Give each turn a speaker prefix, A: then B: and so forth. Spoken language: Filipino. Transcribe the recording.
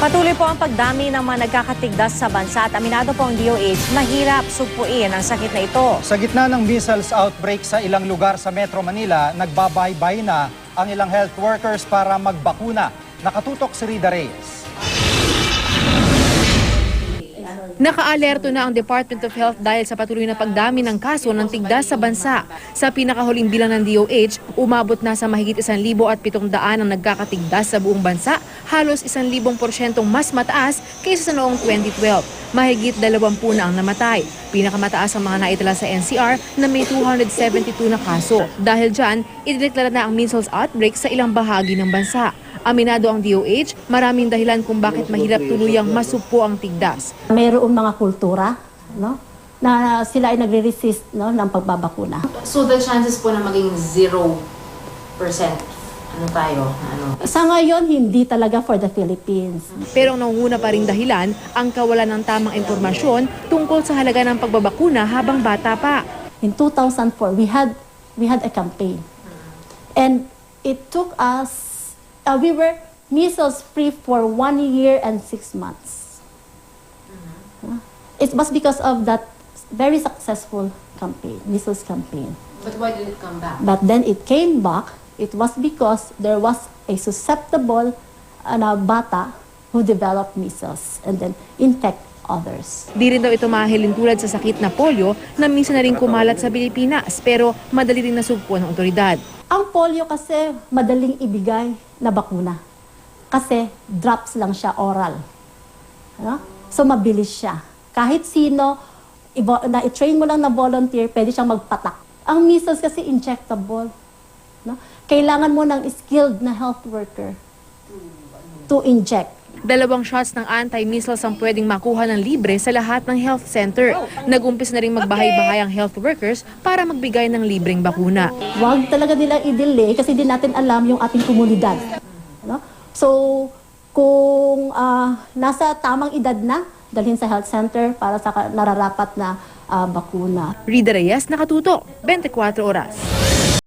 A: Patuloy po ang pagdami ng mga nagkakatigdas sa bansa at aminado po ang DOH, mahirap sugpuin ang sakit na ito.
B: Sa gitna ng measles outbreak sa ilang lugar sa Metro Manila, nagbabaybay na ang ilang health workers para magbakuna. Nakatutok si Rida Reyes.
C: Naka-alerto na ang Department of Health dahil sa patuloy na pagdami ng kaso ng tigdas sa bansa. Sa pinakahuling bilang ng DOH, umabot na sa mahigit 1,700 ang nagkakatigdas sa buong bansa, halos 1,000% mas mataas kaysa sa noong 2012. Mahigit 20 na ang namatay. Pinakamataas ang mga naitala sa NCR na may 272 na kaso. Dahil dyan, idineklara na ang measles outbreak sa ilang bahagi ng bansa. Aminado ang DOH, maraming dahilan kung bakit mahirap tuluyang masupo ang tigdas.
D: Mayroong mga kultura, no, na sila ay nagre-resist, no, ng pagbabakuna.
C: So the chances po na maging 0%, ano tayo?
D: Sa ngayon, hindi talaga for the Philippines.
C: Pero ang nangunguna pa ring dahilan ang kawalan ng tamang impormasyon tungkol sa halaga ng pagbabakuna habang bata pa.
D: In 2004, we had a campaign. And it took us, we were measles free for 1 year and 6 months. It was because of that very successful campaign, measles campaign.
C: But why did it come back?
D: But then it came back. It was because there was a susceptible bata who developed measles and then infect others.
C: Di rin daw ito mahilin tulad sa sakit na polio na minsan na rin kumalat sa Pilipinas pero madali rin nasugpo ng otoridad.
D: Ang polio kasi madaling ibigay na bakuna. Kasi drops lang siya oral. No? So mabilis siya. Kahit sino, na-train mo lang na volunteer, pwede siyang magpatak. Ang measles kasi injectable. No? Kailangan mo ng skilled na health worker to inject.
C: 2 shots ng anti-measles ang pwedeng makuha ng libre sa lahat ng health center. Nag-umpis na rin magbahay-bahay ang health workers para magbigay ng libreng bakuna.
D: Huwag talaga nilang i-delay kasi di natin alam yung ating komunidad. No? So, kung nasa tamang edad na, dalhin sa health center para sa nararapat na bakuna.
C: Rida Reyes, Nakatutok, 24 Oras.